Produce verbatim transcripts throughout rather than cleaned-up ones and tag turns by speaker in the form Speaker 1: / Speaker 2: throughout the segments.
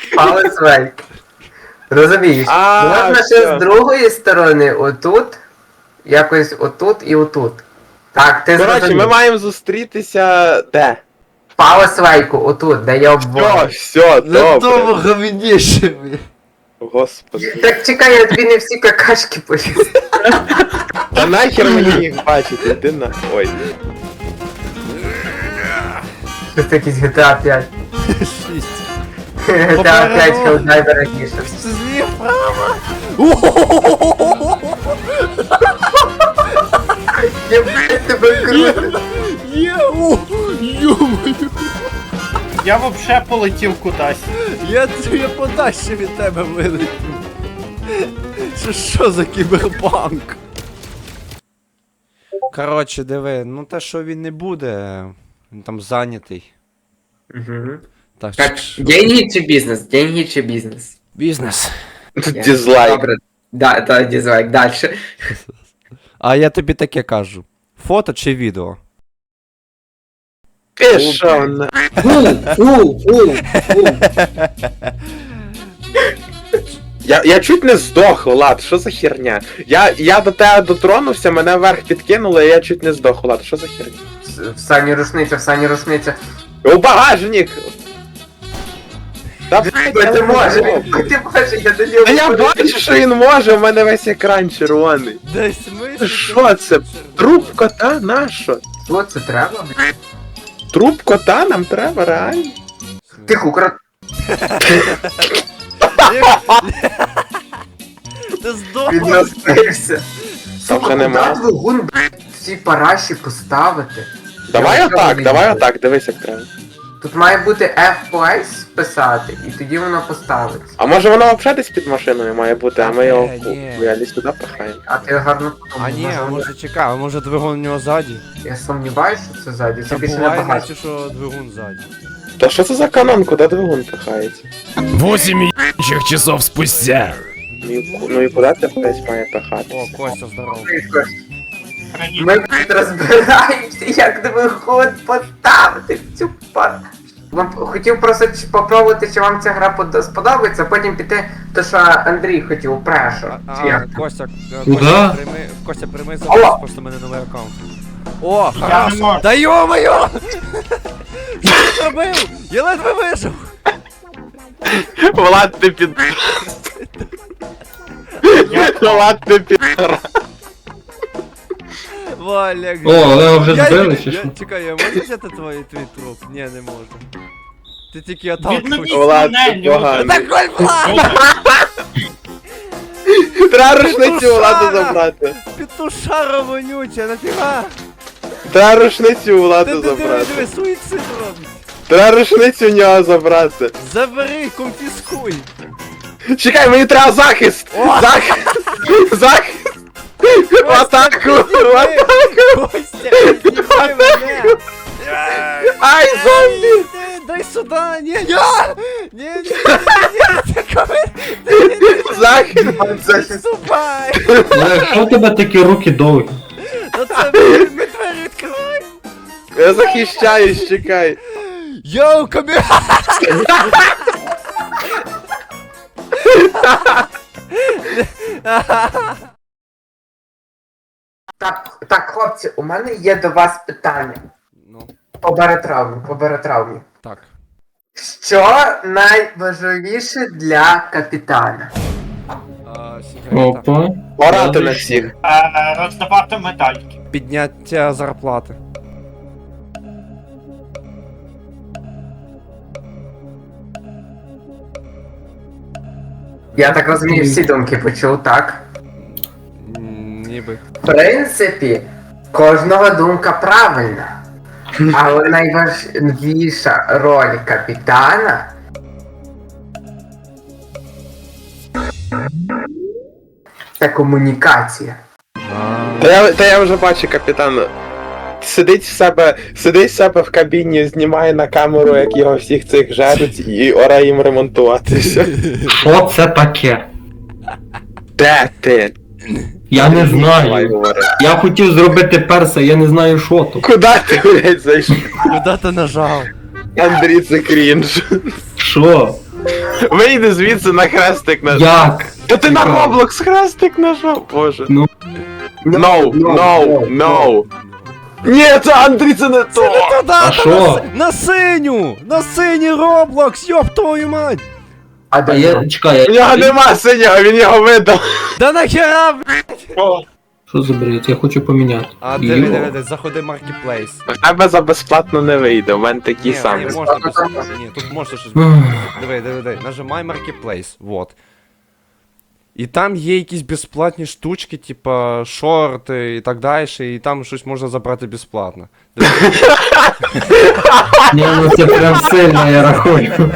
Speaker 1: Паузвейк. Розумієш?
Speaker 2: А,
Speaker 1: Можна ще
Speaker 2: все.
Speaker 1: з другої сторони, отут, якось отут і отут. Так, ти
Speaker 2: Коротше,
Speaker 1: зрозумів.
Speaker 2: ми маємо зустрітися де?
Speaker 1: Паузвейку, отут, де я
Speaker 2: Все,
Speaker 1: обвожу.
Speaker 2: все,
Speaker 3: На тому
Speaker 2: добре.
Speaker 3: говніше.
Speaker 2: Господи.
Speaker 1: Так чекай, я тобі не всі какашки поліз.
Speaker 2: Та нахер мені їх бачити, ти на... Ой.
Speaker 1: Це якийсь джі ті ей п'ять.
Speaker 3: Шість.
Speaker 1: джі ті ей п'ять Helldiver Edition.
Speaker 3: Зліва.
Speaker 1: Я блядь, тебе круто.
Speaker 3: Є, о, йо-моє.
Speaker 4: Я вообще полетів кудись.
Speaker 3: Я тобі подальше від тебе вилетів. Що що за кіберпанк? Коротше, диви, ну те, що він не буде, він там зайнятий.
Speaker 1: Мгм.
Speaker 3: Так,
Speaker 1: Так,
Speaker 3: що-
Speaker 1: деньги чи бізнес? Деньги чи бізнес?
Speaker 3: бізнес.
Speaker 1: Я-
Speaker 2: Дизлайк.
Speaker 1: Добре. Да, да, дизлайк. Дальше.
Speaker 3: А я тобі таке кажу. Фото чи відео?
Speaker 2: Ти що, на...
Speaker 1: Фу, фу, фу.
Speaker 2: Я, я чуть не здох, Влад, що за херня? Я, я до тебе дотронувся, мене вверх підкинуло, і я чуть не здох, Влад, що за херня?
Speaker 1: В сані рушниця, в сані рушниця.
Speaker 2: У багажник! Та
Speaker 1: Ти можеш, ти можеш, я до нього.
Speaker 2: Та я бачу, що він може, у мене весь екран червоний.
Speaker 3: Десь ми.
Speaker 2: Що це? Труп кота? Нащо?
Speaker 1: Що це треба?
Speaker 2: Труп кота нам треба, реально?
Speaker 1: Тихо, крот.
Speaker 3: Ти здох!
Speaker 1: Він розбився.
Speaker 2: Там вже нема.
Speaker 1: Куди двигун, блядь, всі параші поставити?
Speaker 2: Давай
Speaker 1: Я
Speaker 2: отак,
Speaker 1: вже
Speaker 2: давай
Speaker 1: не
Speaker 2: отак, дивись як треба.
Speaker 1: Тут має бути еф пі ес писати, і тоді воно поставиться.
Speaker 2: А може воно взагалі десь під машиною має бути, а ми його
Speaker 3: Е, ні.
Speaker 2: реалі сюди пихаємо.
Speaker 1: А ти гарно подумав.
Speaker 3: А ні, а
Speaker 1: може,
Speaker 3: може чекай, а може двигун у нього ззаді?
Speaker 1: Я сумніваюся, що це ззаді, це
Speaker 3: Та
Speaker 1: більше
Speaker 3: буває,
Speaker 1: набагато.
Speaker 3: наче, що двигун ззаді.
Speaker 2: Та що це за канон, куди двигун пихається?
Speaker 5: Восемь ебачих часов спустя.
Speaker 2: Ну і, ну і куди ти десь має пихатися?
Speaker 3: О, Костя, здорово.
Speaker 1: Ми блядь, розбираємося, як двигун поставити в цю пар. Вам хотів просто ч- попробувати, чи вам ця гра под- сподобається, а потім піти, то що Андрій хотів, прешу.
Speaker 3: А,
Speaker 1: Чи як?
Speaker 3: а, Костя, е,
Speaker 6: Куда?
Speaker 3: Костя, прийми, Костя, прийми
Speaker 1: Алло.
Speaker 3: зараз, просто в мене новий аккаунт. О,
Speaker 4: Я не
Speaker 3: хорошо.
Speaker 4: можу.
Speaker 3: Да йо-моє! Що ти зробив? Я ледве вижив.
Speaker 2: Влад, ти під... Влад, ти під...
Speaker 3: Валя,
Speaker 6: О, але його вже
Speaker 3: Я-
Speaker 6: збили,
Speaker 3: я-
Speaker 6: чи що?
Speaker 3: Чекай, я можу взяти твій, твій труп? Ні, не можу. Ти тільки отталкуєш.
Speaker 4: Відновіть
Speaker 2: Влад,
Speaker 4: мене,
Speaker 2: ти
Speaker 4: люди.
Speaker 2: поганий.
Speaker 3: Так, Коль, Влад!
Speaker 2: Треба рушницю Владу забрати.
Speaker 3: Петушара вонюча, нафіга?
Speaker 2: Треба рушницю
Speaker 3: Ти
Speaker 2: Владу
Speaker 3: ти диви,
Speaker 2: забрати.
Speaker 3: диви, суїцид робить.
Speaker 2: Треба рушницю в нього забрати.
Speaker 3: Забери, конфіскуй.
Speaker 2: Чекай, мені треба захист!
Speaker 3: О!
Speaker 2: Захист! Захист! В атаку! В атаку!
Speaker 3: Костя, знімай мене!
Speaker 2: Ай, зомбі!
Speaker 3: Дай- Дай сюда! Ні, ні! Ні, ні, ні, ні, ти коли- ти- ти- ти-
Speaker 2: Захист!
Speaker 3: Відступай!
Speaker 6: Але що в тебе такі руки довгі?
Speaker 3: Ну це ми ми двері відкриваємо!
Speaker 2: Я захищаюсь, чекай.
Speaker 3: Йоу, камера!
Speaker 1: Так, так, хлопці, у мене є до вас питання.
Speaker 3: Ну,
Speaker 1: По баротравмі, по баротравмі.
Speaker 3: так.
Speaker 1: Що найважливіше для капітана?
Speaker 3: А, сигарета.
Speaker 6: Опа.
Speaker 2: Орати на всіх.
Speaker 4: Е, Роздавати медальки.
Speaker 3: Підняття зарплати.
Speaker 1: Я так розумію, всі думки почув, так?
Speaker 3: М, Ніби.
Speaker 1: В принципі, кожного думка правильна. Але найважливіша роль капітана це комунікація.
Speaker 2: Та я, та я вже бачу, капітан. Сидить в себе, сидить в себе в кабіні, знімає на камеру, як його всіх цих жарить, і ора їм ремонтуватися.
Speaker 6: Що це таке?
Speaker 2: Де ти?
Speaker 6: Я не
Speaker 2: Давай
Speaker 6: знаю.
Speaker 2: говори.
Speaker 6: Я хотів зробити перса, я не знаю що то.
Speaker 2: Куди ти, блядь, зайшов?
Speaker 3: Куди ти нажав?
Speaker 2: Андрій, це крінж.
Speaker 6: Що?
Speaker 2: Вийди звідси на хрестик нажав.
Speaker 6: Як?
Speaker 2: Та ти на
Speaker 6: Цікаво.
Speaker 2: Roblox хрестик нажав, боже.
Speaker 6: Ну.
Speaker 2: No, no, no. Ні, це Андрій, це не то.
Speaker 3: Та да,
Speaker 6: А
Speaker 3: та
Speaker 6: що?
Speaker 3: на, си- на синю! На синій Роблокс, йоп твою мать!
Speaker 1: А
Speaker 6: А
Speaker 1: де
Speaker 6: я, чекай,
Speaker 2: У нього
Speaker 6: я...
Speaker 2: нема синього, він його видав.
Speaker 3: Да нахера, б***ь!
Speaker 6: Що за бред? Я хочу поміняти.
Speaker 3: А
Speaker 6: Йо.
Speaker 3: диви, диви, диви, заходи в Marketplace.
Speaker 2: В тебе за безплатно не вийде, у мене такі
Speaker 3: Ні,
Speaker 2: самі.
Speaker 3: ні, можна безплатно, ні, тут можна щось.
Speaker 6: Ух.
Speaker 3: Диви, диви, диви, нажимай Marketplace, вот. І там є якісь безплатні штучки, типа шорти і так далі, і там щось можна забрати безплатно. Диви.
Speaker 6: Ні, ну це прям сильно, я рахую.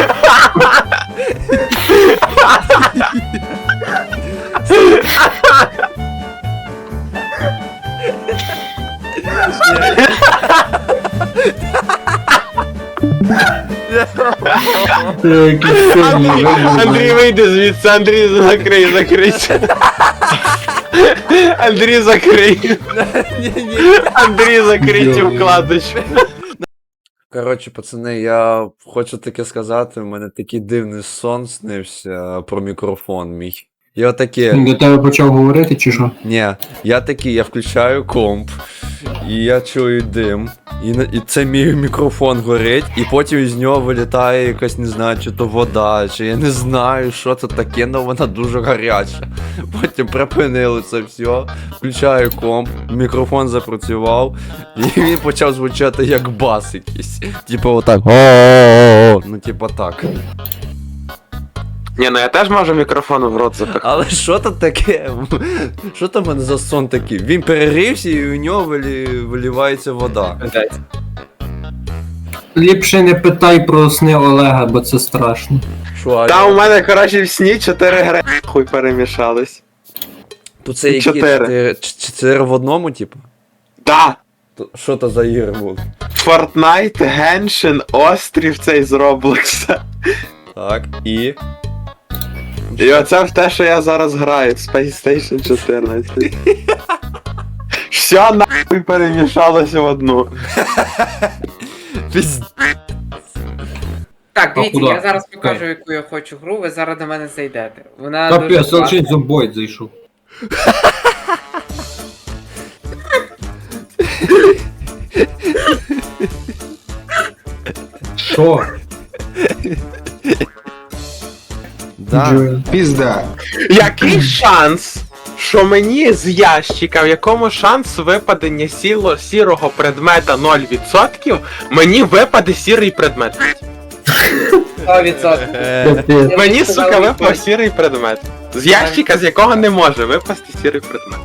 Speaker 6: Це якийсь сильний вибір.
Speaker 2: Андрій, вийди звідси, Андрій, закрий, закрий. Андрій, закрий. Андрій, закрий цю вкладочку.
Speaker 3: Коротше, пацани, я хочу таке сказати, у мене такий дивний сон снився про мікрофон мій. Я таке.
Speaker 6: Він до тебе почав говорити, чи що?
Speaker 3: Ні, я такий, я включаю комп, і я чую дим, і, на- і це мій мікрофон горить, і потім із нього вилітає якась, не знаю, чи то вода, чи я не знаю, що це таке, але вона дуже гаряча. Потім припинили це все, включаю комп, мікрофон запрацював, і він почав звучати як бас якийсь. Типу отак. О-о-о-о. Ну, типу так.
Speaker 2: Ні, ну я теж можу мікрофон в рот запихати.
Speaker 3: Але що то таке? Що там в мене за сон такий? Він перерився і у нього вилі... вилівається вода.
Speaker 6: Ліпше не питай про сни Олега, бо це страшно.
Speaker 3: Що, а
Speaker 2: Та у мене, коротше, в сні чотири гри хуй перемішались.
Speaker 3: тут це які
Speaker 2: чотири.
Speaker 3: чотири, ч- чотири в одному, типу?
Speaker 2: Да!
Speaker 3: То- Що то за ігри були?
Speaker 2: Fortnite, Genshin, Острів цей з Роблокса.
Speaker 3: Так, і.
Speaker 2: І оце в те, що я зараз граю, Space Station чотирнадцять. Все нахуй перемішалося в одну.
Speaker 3: Пізд...
Speaker 1: Так, дивіться,
Speaker 6: куди?
Speaker 1: я зараз покажу,
Speaker 6: Окей.
Speaker 1: яку я хочу гру, ви зараз до мене зайдете. Вона дуже
Speaker 6: Капець,
Speaker 1: класна.
Speaker 6: лише зомбоїд зайшов. Що?
Speaker 3: Да.
Speaker 7: Пізда.
Speaker 2: Який шанс, що мені з ящика, в якому шанс випадення сіло, сірого предмета нуль відсотків, мені випаде сірий предмет.
Speaker 1: сто відсотків.
Speaker 3: Е,
Speaker 6: Капець.
Speaker 2: Мені, сука, випав сірий предмет. З ящика, з якого не може випасти сірий предмет.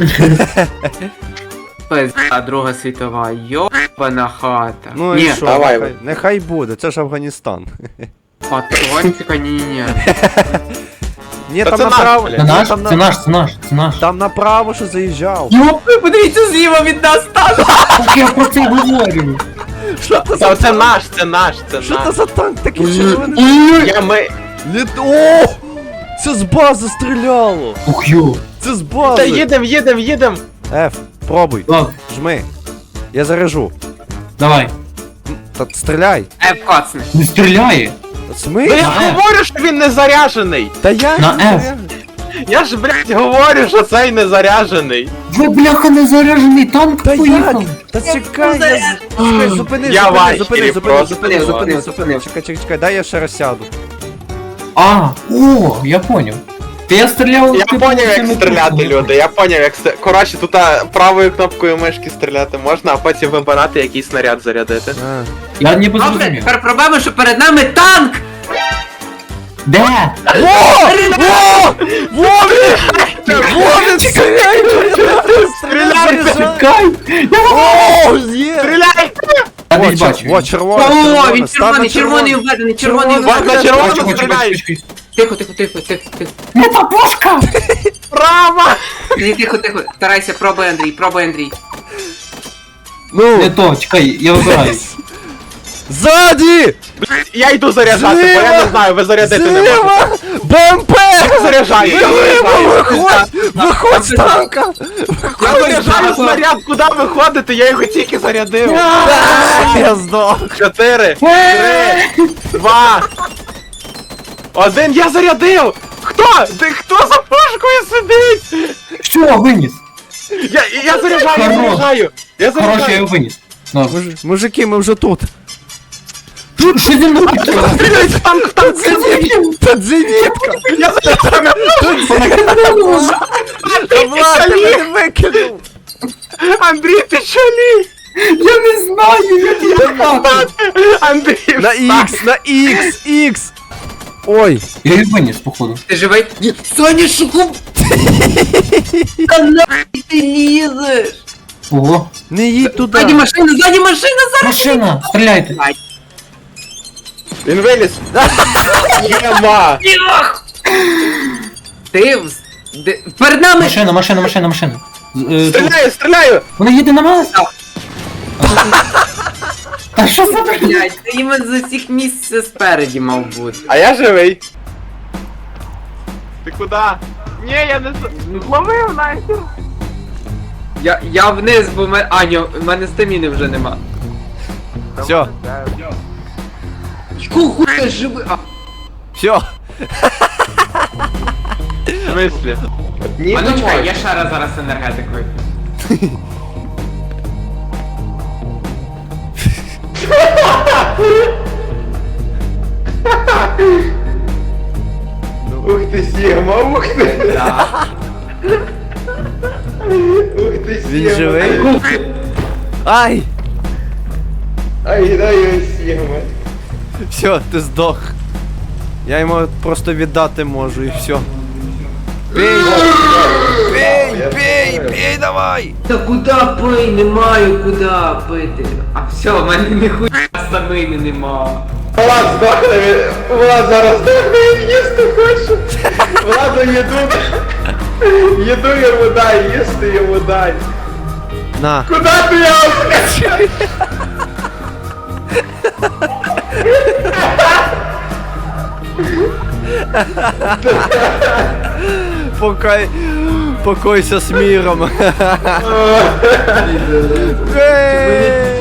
Speaker 1: Пизда, Друга світова, йобана хата.
Speaker 3: Ну
Speaker 1: Ні,
Speaker 3: і що,
Speaker 2: давай.
Speaker 3: нехай, нехай буде, це ж Афганістан.
Speaker 1: патрончика, ні-ні-ні.
Speaker 3: Ні,
Speaker 2: Та
Speaker 3: там
Speaker 2: це наш,
Speaker 3: направо.
Speaker 2: блядь.
Speaker 6: Це
Speaker 3: ні,
Speaker 6: наш,
Speaker 3: там,
Speaker 6: це
Speaker 3: на...
Speaker 6: наш, це наш, це наш.
Speaker 3: там направо що заїжджав.
Speaker 1: Йопи, подивіться зліва від нас танк!
Speaker 6: Так я про це говорю.
Speaker 3: Що це
Speaker 2: Та
Speaker 3: за
Speaker 2: це наш, це наш, це
Speaker 3: Що це
Speaker 2: наш.
Speaker 3: за танк такий червоний?
Speaker 2: Я ми...
Speaker 3: Літ... О! Це з бази стріляло!
Speaker 6: Ух йо.
Speaker 3: Це з
Speaker 2: Та
Speaker 3: бази!
Speaker 2: їдем, їдем, їдем.
Speaker 3: Ф, пробуй,
Speaker 6: Ладно,
Speaker 3: жми. Я заряжу.
Speaker 6: давай.
Speaker 3: Та стріляй.
Speaker 1: Е, коцни.
Speaker 6: Не стріляє.
Speaker 3: Та Смий?
Speaker 2: Ну я
Speaker 6: На F.
Speaker 2: говорю, що він не заряжений.
Speaker 3: Та я
Speaker 6: На
Speaker 3: не
Speaker 6: F.
Speaker 3: заряжу.
Speaker 2: Я ж, блядь, говорю, що цей не заряжений.
Speaker 6: Ви, бляха, не заряджений танк
Speaker 3: Та як?
Speaker 6: поїхав.
Speaker 3: Та чекай, я... з- Чекай, зупини,
Speaker 2: Я
Speaker 3: зупини,
Speaker 2: важкий
Speaker 3: зупини, зупини,
Speaker 2: просто.
Speaker 3: зупини, зупини,
Speaker 1: Зупинив,
Speaker 3: зупини.
Speaker 1: зупинив.
Speaker 3: Чекай, чекай, чекай, дай я ще раз сяду.
Speaker 6: А, о, я поняв. Та я стріляв...
Speaker 2: Я
Speaker 6: типу,
Speaker 2: поняв, як
Speaker 6: цими
Speaker 2: стріляти,
Speaker 6: трубками.
Speaker 2: люди. Я поняв, як стріляти. Коротше, тут а, правою кнопкою мишки стріляти можна, а потім вибирати, який снаряд зарядити.
Speaker 3: А.
Speaker 6: Я не
Speaker 1: Добре,
Speaker 6: зрозумів.
Speaker 1: тепер проблема, що перед нами танк!
Speaker 6: Де?
Speaker 3: Вові! Вові, стріляй! Стріляй!
Speaker 6: Чекай!
Speaker 3: О, є!
Speaker 2: Стріляй!
Speaker 6: Я
Speaker 3: О,
Speaker 6: десь
Speaker 3: чер-
Speaker 6: бачу.
Speaker 3: О, червона,
Speaker 1: О,
Speaker 3: червона,
Speaker 1: він
Speaker 3: став на
Speaker 1: червоний, червоний введений, червоний
Speaker 3: Червоний.
Speaker 2: На
Speaker 1: введений.
Speaker 2: червону
Speaker 6: Бачу, бачу,
Speaker 2: стріляй!
Speaker 6: бачу, бачу.
Speaker 1: Тихо, тихо, тихо, тихо, тихо.
Speaker 6: Не та пушка!
Speaker 2: Право!
Speaker 1: Ні, тихо, тихо. Старайся, пробуй, Андрій, пробуй, Андрій.
Speaker 3: Ну,
Speaker 6: Не то, чекай, я вибираю.
Speaker 3: ззаді!
Speaker 2: Я йду заряджати, бо я не знаю, ви зарядити не можете.
Speaker 3: Зліва! БМП!
Speaker 2: Я заряджаю, я
Speaker 3: Зліва!
Speaker 2: заряджаю.
Speaker 3: Виходь! Виходь з танка!
Speaker 2: Я заряджаю снаряд, куди ви ходите? Я його тільки зарядив.
Speaker 3: Я здох!
Speaker 2: Чотири, три, два, Один я зарядив! Хто? Ти хто за пушкою сидить?
Speaker 6: Що, виніс?
Speaker 2: Я, я заряджаю, я
Speaker 6: Хорош.
Speaker 2: заряджаю! Я
Speaker 6: Короче, я
Speaker 2: заряджаю!
Speaker 6: його виніс. Ну,
Speaker 3: Муж- Мужики, ми вже тут.
Speaker 6: що зі мною?
Speaker 2: Стріляйте, танк, танк,
Speaker 3: Тут зенітка!
Speaker 2: я заряджаю!
Speaker 3: Та Влад, ти мене викинув!
Speaker 2: Андрій, ти шалі!
Speaker 6: Я не знаю, як я впав.
Speaker 2: Андрій,
Speaker 3: На
Speaker 2: встань!
Speaker 3: Х, на Х, Х! Ой!
Speaker 6: Я їх виніс, походу.
Speaker 1: Ти живий? Ні. Соня, шуку! Та нахуй ти лізеш?
Speaker 6: Ого.
Speaker 3: Не їдь туди!
Speaker 1: Ззаді машина, ззаді машина, зараз!
Speaker 6: Машина, стріляйте.
Speaker 2: Він виліз! Єма!
Speaker 1: Ти вз... де- перед нами!
Speaker 6: Машина, машина, машина, машина. З- е, тут.
Speaker 2: Стріляю, стріляю!
Speaker 6: Вона їде на нас? Та що за блядь?
Speaker 1: Блядь, ти іменно з усіх місць спереді мав бути.
Speaker 2: А я живий. Ти куди? Ні, я не з- зловив нахер.
Speaker 1: Я, я вниз, бо мене... А, ні, в мене стаміни вже нема.
Speaker 3: Все,
Speaker 1: Якого хуя живи? А,
Speaker 3: все.
Speaker 2: В смислі? Ні,
Speaker 1: а
Speaker 2: не
Speaker 1: ну чекай,
Speaker 2: можу.
Speaker 1: я ще раз зараз енергетикою.
Speaker 2: Ух ти, Сігма, ух ти.
Speaker 1: Да.
Speaker 2: Ух ти, Сігма.
Speaker 3: Він живий? Ай!
Speaker 2: Ай, дай його, Сігма.
Speaker 3: Все, ти здох. Я йому просто віддати можу і все. Бей! Бей, бей, бей, давай!
Speaker 1: Та куди пий? Немає куди пити. А все, в мене ніхуя стамини нема.
Speaker 2: Влад здохне, він- Влад зараз здохне, він їсти хоче. Владу їду. Їду йому дай, їсти йому дай.
Speaker 3: На.
Speaker 2: Куда ти його скачай?
Speaker 3: Покой... Покойся з міром. Бей!